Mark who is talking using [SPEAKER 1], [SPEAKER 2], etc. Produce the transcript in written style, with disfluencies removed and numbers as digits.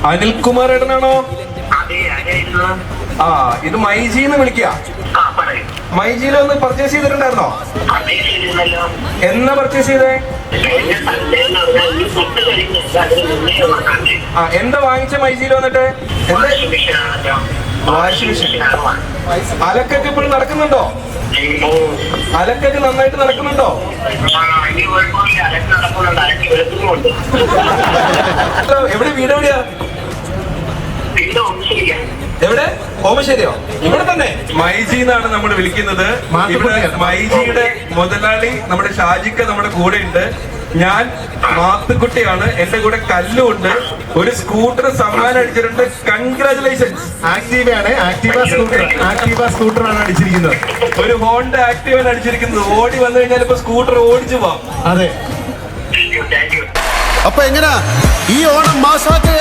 [SPEAKER 1] അനിൽകുമാർ ഏട്ടനാണോ? ആ, ഇത് മൈജിന്ന് വിളിക്കുക. മൈജിയിലൊന്ന് പർച്ചേസ് ചെയ്തിട്ടുണ്ടായിരുന്നോ? എന്നാ പർച്ചേസ് ചെയ്തേ? ആ, എന്താ വാങ്ങിച്ച മൈജിയിൽ വന്നിട്ട്? എന്താ? Washing machine. അലക്കൊക്കെ ഇപ്പോഴും നടക്കുന്നുണ്ടോ? അലക്കൊക്കെ നന്നായിട്ട് നടക്കുന്നുണ്ടോ? എവിടെ വീട്? എവിടെയാ? എവിടെ? ഓമശ്ശേരിയോ? ഇവിടെ തന്നെ. മൈജി എന്നാണ് നമ്മൾ വിളിക്കുന്നത്. ഇവിടെ മൈജിയുടെ മുതലാളി നമ്മുടെ ഷാജിക്ക നമ്മുടെ കൂടെ ഉണ്ട്. ഞാൻ മാത്തുക്കുട്ടിയാണ്. എന്റെ കൂടെ കല്ലും ഉണ്ട്. ഒരു സ്കൂട്ടർ സമ്മാനം അടിച്ചിട്ടുണ്ട്. കൺഗ്രാചുലേഷൻസ്.
[SPEAKER 2] ആക്റ്റീവയാണ്. ആക്റ്റീവ സ്കൂട്ടർ ആണ് അടിച്ചിരിക്കുന്നത്.
[SPEAKER 1] ഒരു ഹോണ്ട ആക്റ്റീവയാണ് അടിച്ചിരിക്കുന്നത്. ഓടി വന്നു കഴിഞ്ഞാൽ ഇപ്പൊ സ്കൂട്ടർ ഓടിച്ചു പോവാം.
[SPEAKER 2] അതെ.
[SPEAKER 3] അപ്പൊ എങ്ങനാ ഈ ഓണം മാസാക്കി